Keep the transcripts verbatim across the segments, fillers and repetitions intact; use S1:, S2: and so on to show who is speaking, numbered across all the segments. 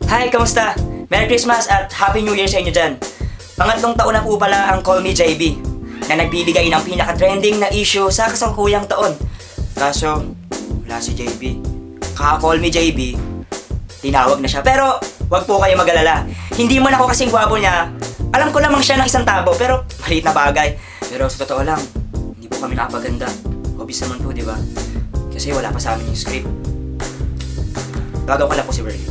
S1: Hi, kamusta? Merry Christmas at Happy New Year sa inyo dyan. Pangatlong taon na po pala ang Call Me J B na nagbibigay ng pinaka-trending na issue sa kasangkuyang taon. Kaso, wala si J B. Kaka-Call Me J B, tinawag na siya. Pero, wag po kayo mag-alala. Hindi man ako kasing gwapo niya. Alam ko lamang siya ng isang tabo, pero maliit na bagay. Pero sa totoo lang, hindi po kami nakapaganda. Obvious naman po, di ba? Kasi wala pa sa amin yung script. Gagaw ka lang po si Verly.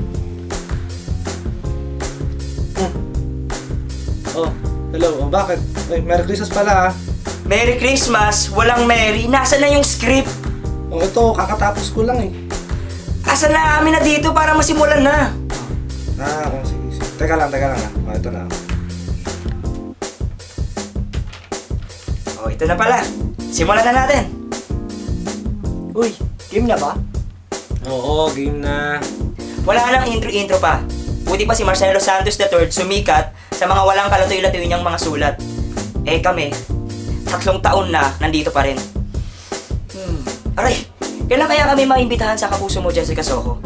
S2: Oh, hello. Oh, bakit? Ay, Merry Christmas pala ah.
S1: Merry Christmas! Walang Merry! Nasaan na yung script?
S2: Oh, ito, kakatapos ko lang eh.
S1: Asan na kami na dito para masimulan na?
S2: Ah, oh, sige, sige. Teka lang, teka lang ah. Oh, ito na.
S1: Oh, ito na pala. Simulan na natin.
S3: Uy, game na ba?
S2: Oo, game na.
S1: Wala nang intro-intro pa. Buti pa si Marcelo Santos the third sumikat sa mga walang kalatoy-latoy niyang mga sulat. Eh kami, tatlong taon na nandito pa rin. Hmm. Aray, kailan kaya kami maimbitahan sa Kapuso Mo, Jessica Soho?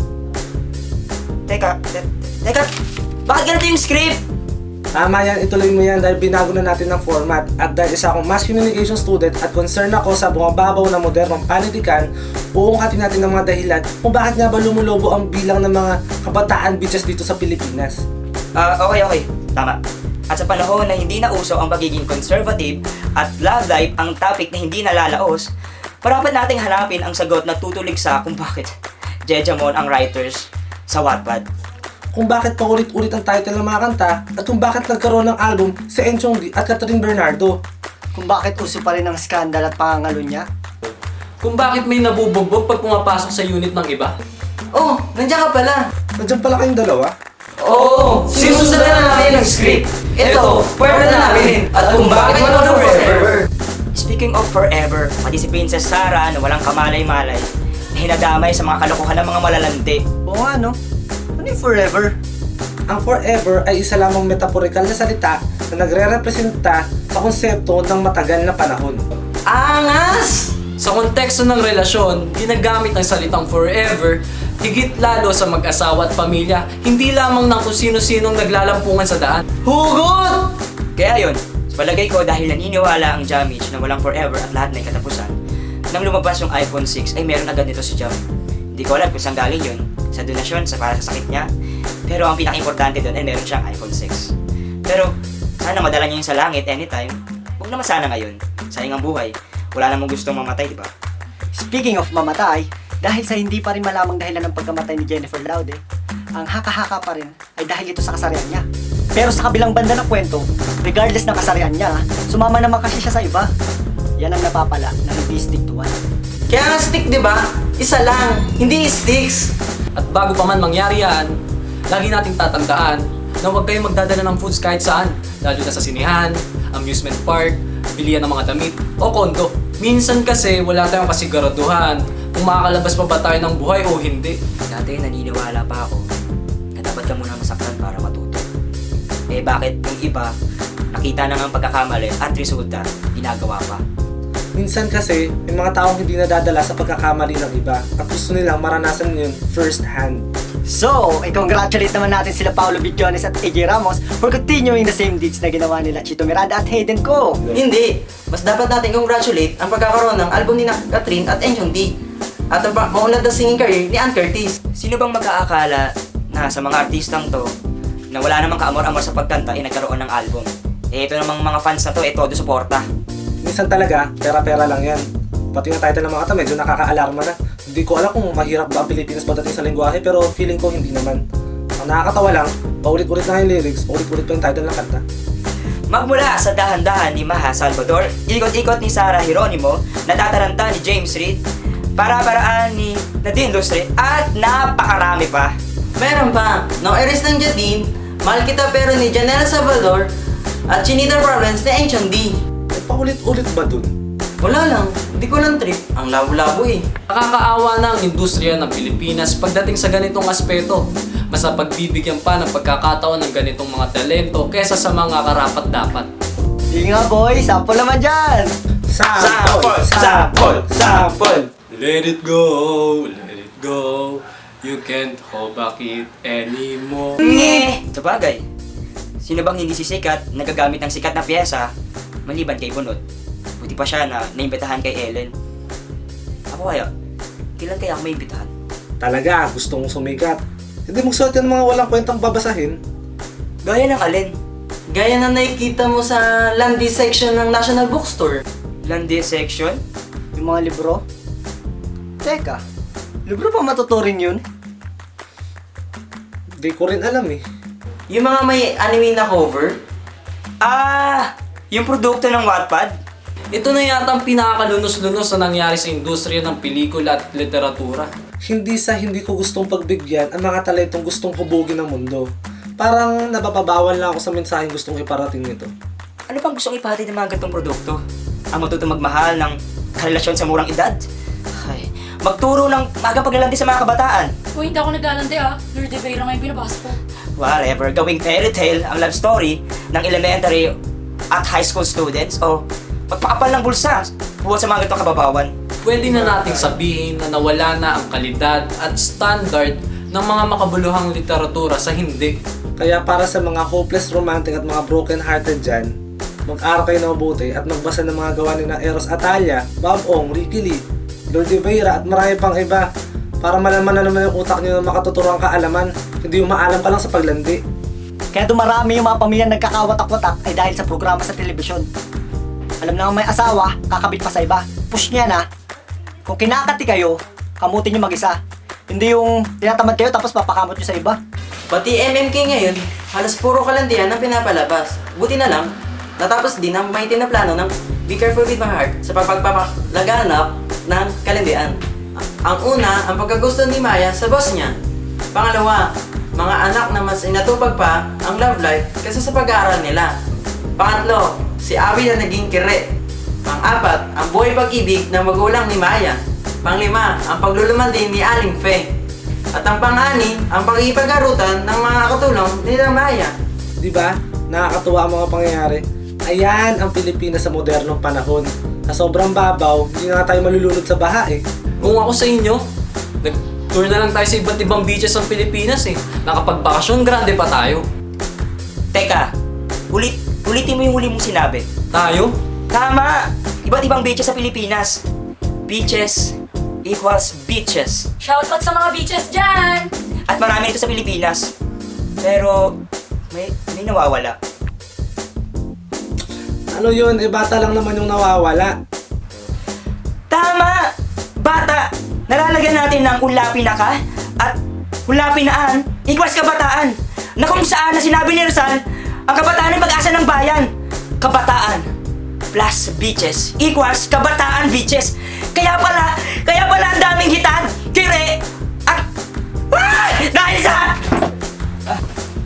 S1: Teka, te teka, bakit ganito yung script?
S2: Tama yan, ituloy mo yan dahil binago na natin ng format. At dahil isa akong mass communication student at concern ako sa bumababaw na modernong panitikan, uungkatin natin ng mga dahilan kung bakit nga ba lumulobo ang bilang ng mga kabataan bitches dito sa Pilipinas.
S1: Ah, okay, okay. Tama. At sa panahon na hindi na uso ang pagiging conservative at love life ang topic na hindi nalalaos, parapat nating hanapin ang sagot na tutulig sa kung bakit Jejamon ang writers sa Wattpad.
S2: Kung bakit paulit-ulit ang title ng mga kanta at kung bakit nagkaroon ng album si Enchong D at Catherine Bernardo.
S3: Kung bakit uso pa rin ang skandal at pangangalo niya?
S4: Kung bakit may nabubugbog pag pumapasok sa unit ng iba?
S5: Oh, nandiyan ka pala.
S2: Nandiyan pala kayong dalawa?
S5: Oo, sinusundan na namin ang script. Ito, pwede na namin. At kung bakit walang forever.
S1: Speaking of forever, pati si Princess Sarah na walang kamalay-malay na hinadamay sa mga kalokohan ng mga malalandi.
S3: Oo nga no? Ano yung forever?
S2: Ang forever ay isa lamang metaporikal na salita na nagre-representa sa konsepto ng matagal na panahon.
S5: Angas!
S4: Sa konteksto ng relasyon, ginagamit ang salitang forever higit lalo sa mag-asawa at pamilya, hindi lamang ng kung sino-sinong naglalampungan sa daan.
S5: Hugot!
S1: Kaya yun, sa palagay ko dahil naniniwala ang Jamich na walang forever at lahat may katapusan, nang lumabas yung iPhone six ay meron agad nito si Jam. Hindi ko alam kung saan galing yun, sa donasyon, sa para sa sakit niya, pero ang pinaka-importante doon ay meron siyang iPhone six. Pero sana madala niya yung sa langit anytime. Huwag naman sana ngayon, sayang ang buhay. Wala namang gustong mamatay, di ba?
S3: Speaking of mamatay, dahil sa hindi pa rin malamang dahilan ng pagkamatay ni Jennifer Laude, ang haka-haka pa rin ay dahil ito sa kasarian niya. Pero sa kabilang banda ng kwento, regardless ng kasarian niya, sumama naman kasi siya sa iba. Yan ang napapala na hindi stick to one.
S5: Kaya nga stick, di ba? Isa lang, hindi sticks.
S4: At bago pa man mangyari yan, lagi nating tatandaan na huwag kayong magdadala ng foods kahit saan, lalo na sa sinihan, amusement park, bilihan ng mga damit, o kondo. Minsan kasi wala tayong kasiguraduhan kung makakalabas pa ba tayo ng buhay o hindi.
S1: Dati naniniwala pa ako na dapat ka muna masaktan para matuto. Eh bakit yung iba, nakita na nga ang pagkakamali at resulta, ginagawa pa?
S2: Minsan kasi, may mga taong hindi nadadala sa pagkakamali ng iba at gusto nilang maranasan yun first hand.
S3: So, i-congratulate naman natin sila Paolo Bidiones at A J Ramos for continuing the same deeds na ginawa nila Chito Miranda at Hayden Ko.
S5: Hindi. Mas dapat natin congratulate ang pagkakaroon ng album ni na Catherine at Enchong D. At ang pa- maunlad na singing career ni Ann Curtis.
S1: Sino bang mag-aakala na sa mga artistang to na wala namang kaamor-amor sa pagkanta ay nagkaroon ng album? Eh ito namang mga fans na to, eh todo suporta.
S2: Minsan talaga, pera-pera lang yan. Pati yung title ng mga kanta, medyo nakaka-alarma na. Hindi ko alam kung mahirap ba ang Pilipinas pagdating sa lengguwahe, pero feeling ko hindi naman. Ang nakakatawa lang, paulit-ulit na yung lyrics, paulit-ulit pa yung title ng kanta.
S1: Magmula sa dahan-dahan ni Maha Salvador, ikot-ikot ni Sarah Geronimo, natataranta ni James Reid, para-paraan ni Nadine Lustre, at napakarami pa.
S5: Meron pa, No Eres ng Jadine, Mahal Kita Pero ni Janela Salvador, at Chinita Problems ni Enchong D.
S2: Eh, paulit-ulit ba dun?
S5: Wala lang, hindi ko lang trip. Ang labo-labo eh.
S4: Nakakaawa na ang industriya ng Pilipinas pagdating sa ganitong aspeto. Mas napagbibigyan pa ng pagkakataon ng ganitong mga talento kesa sa mga karapat-dapat.
S3: Sige nga boy, sample naman dyan!
S2: Sample! Sample! Sample!
S4: Let it go, let it go. You can't hold back it anymore.
S1: Nge! Sabagay, sino bang hindi sisikat nagagamit ng sikat na piyesa maliban kay Bunot? Buti pa siya na naimbitahan kay Ellen. Ako kaya, kailan kaya ako maimbitahan?
S2: Talaga, gusto mong sumikat. Hindi magsuot yan ng mga walang kwentang babasahin.
S1: Gaya ng alin?
S5: Gaya na nakikita mo sa Landy section ng National Bookstore.
S1: Landi section?
S3: Yung mga libro? Teka, libro pa matuturin yun?
S2: Di ko rin alam eh.
S5: Yung mga may anime na cover.
S1: Ah! Yung produkto ng Wattpad?
S4: Ito na yata ang pinakalunos-lunos na nangyari sa industriya ng pelikula at literatura.
S2: Hindi sa hindi ko gustong pagbigyan ang mga talentong gustong hubugin ng mundo. Parang napapabawal lang ako sa mensaheng gustong iparating nito.
S1: Ano pang gustong ipahatid ng mga ganitong produkto? Ang matutong magmahal ng karelasyon sa murang edad? Ay, magturo ng magang paglalandi sa mga kabataan?
S6: Uy, hindi ako naglalandi ah. Lord de Vera nga yung binabasa ko.
S1: Whatever, gawing fairy tale ang love story ng elementary at high school students o magpakapal ng bulsa buhat sa mga ganitong kababawan.
S4: Pwede na nating sabihin na nawala na ang kalidad at standard ng mga makabuluhang literatura sa hindi.
S2: Kaya para sa mga hopeless romantic at mga broken hearted dyan, mag-aral kayo na mabuti at magbasa ng mga gawa ni na Eros Atayah, Bob Ong, Ricky Lee, Lord de Vera at marami pang iba para malaman na naman yung utak nyo ng makatuturang kaalaman, hindi yung maalam ka lang sa paglandi.
S3: Kaya dumarami yung mga pamilyang nagkakawatak-watak ay dahil sa programa sa telebisyon. Alam na may asawa, kakabit pa sa iba. Push niya na. Kung kinakati kayo, kamutin nyo mag-isa. Hindi yung tinatamad kayo tapos papakamot nyo sa iba.
S5: Pati M M K ngayon, halos puro kalandian ang pinapalabas. Buti na lang, natapos din ang may tinaplano ng Be Careful With My Heart sa pagpapalaganap ng kalandian. Ang una, ang pagkagusto ni Maya sa boss niya. Pangalawa, mga anak na mas inatupag pa ang love life kaysa sa pag-aaral nila. Pangatlo, si Abby na naging kire. Pang-apat, ang buhay pag-ibig ng magulang ni Maya. Panglima, ang pagluluman din ni Aling Fe. At ang pang-ani, ang pag-ipagarutan ng mga katulong nila Maya.
S2: Di ba? Nakakatuwa ang mga pangyayari. Ayan ang Pilipinas sa modernong panahon. Sa sobrang babaw, hindi na nga tayo malulunod sa baha eh.
S4: Kung ako sa inyo, nag-tour na lang tayo sa iba't ibang beaches ng Pilipinas eh. Nakapagbakasyon, grande pa tayo.
S1: Teka, ulit, ulitin mo yung huli mong sinabi.
S4: Tayo?
S1: Tama! Iba't ibang beaches sa Pilipinas. Beaches equals beaches.
S6: Shoutout sa mga beaches dyan!
S1: At marami nito sa Pilipinas. Pero may, may nawawala.
S2: Ano yun? Eh bata lang naman yung nawawala.
S1: Tama! Bata! Nalalagyan natin ng ulapi na ka at ulapi na an equals kabataan. Na kung saan na sinabi ni Rizal, ang kabataan ay pag-asa ng bayan. Kabataan plus beaches equals kabataan beaches. Kaya pala, kaya pala ang daming hitan, kire, at... Ah! Dahil sa... Ah.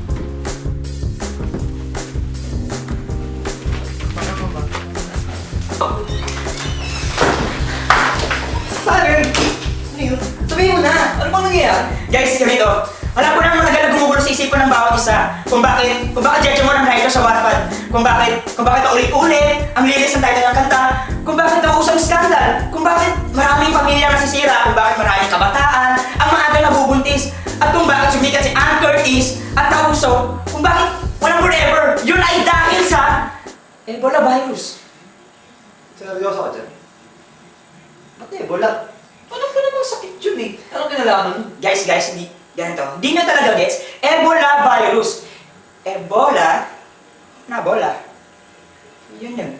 S5: Sarin! Sabihin mo na! Ano bang nangyayari?
S1: Guys, ganito. Wala po nang matagal na gumugulo sa isipan ng bawat isa kung bakit, kung bakit judge mo ng writer sa Wattpad, kung bakit, kung bakit paulit-ulit ang lilis ng title ng kanta, kung bakit nauusang skandal, kung bakit maraming pamilya nasisira, kung bakit maraming kabataan ang maaga nabubuntis, at kung bakit sumikat si Ann Curtis at nauso, kung bakit walang forever, yun ay dahil sa Ebola virus.
S2: Seryoso ka dyan?
S5: Ba't Ebola? Paano pa namang sakit yun eh? Anong kinalaman mo?
S1: Guys, guys, hindi, ganito. Hindi nyo talaga gets, Ebola virus. Ebola, na bola. Yun yun.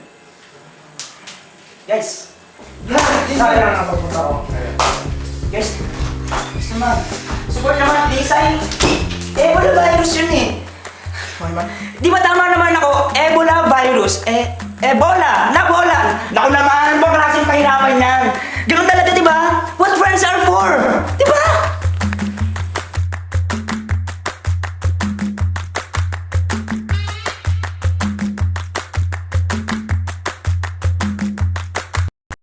S1: Guys,
S2: Sayang ang papunta ko.
S1: guys, gusto mag, support naman ang design. Ebola virus yun eh. Di ba tama naman ako, Ebola virus, eh, Ebola, na bola. Naku naman, bang klaseng pahirapan yan. Ganun talaga, di ba? What friends are for, di ba?